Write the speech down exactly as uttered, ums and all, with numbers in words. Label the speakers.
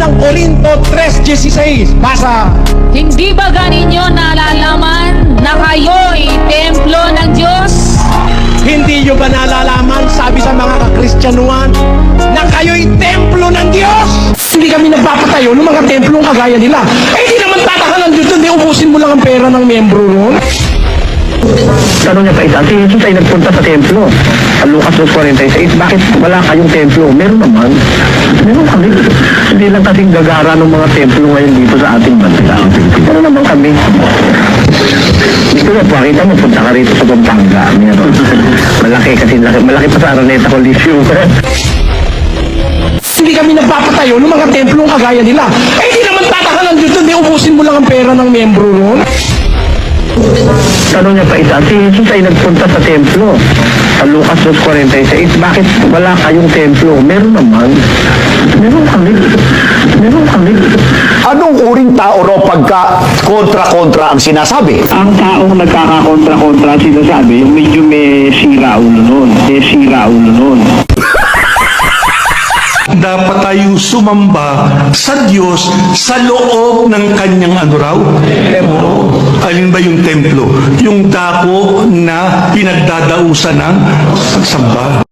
Speaker 1: unang Korinto tres dieciséis. Basa.
Speaker 2: Hindi ba ganinyo nalalaman na kayo'y templo ng Diyos?
Speaker 1: Hindi nyo ba nalalaman, sabi sa mga kakristyanuhan, na kayo'y templo ng Diyos? Hindi kami nagpapatayo ng mga templong kagaya nila. Eh, di naman tatakalan dito, di ubusin mo lang ang pera ng membro nun.
Speaker 3: Tanong niya pa isa, si Jesus ay nagpunta sa templo. Sa Lucas two forty-six, bakit wala kayong templo? Meron naman. Meron kami. Hindi lang kasing gagara ng mga templo ngayon dito sa ating bansa. Meron naman kami. Gusto mo, pakita mo, punta ka rito sa Pampanga. Meron. Malaki kasi, malaki, malaki pa sa Araneta Coliseum.
Speaker 1: Hindi kami nagpapatayo ng mga templong kagaya nila. Eh, di naman tatakalan dito, di ubusin mo lang ang pera ng membro nun.
Speaker 3: Tanong niya pa isa, si Jesus ay nagpunta sa templo. Sa Lucas two forty-six, bakit wala kayong templo? Meron naman. Meron kami. Meron kami.
Speaker 4: Anong uring tao raw pagka kontra-kontra ang sinasabi?
Speaker 3: Ang taong nagkakakontra-kontra sinasabi, yung medyo may sira ulo nun. May sira ulo nun.
Speaker 5: Dapat tayong sumamba sa Diyos sa loob ng kanyang ano raw? Templo. Alin ba yung templo? Yung dako na pinagdadausan ng pagsamba.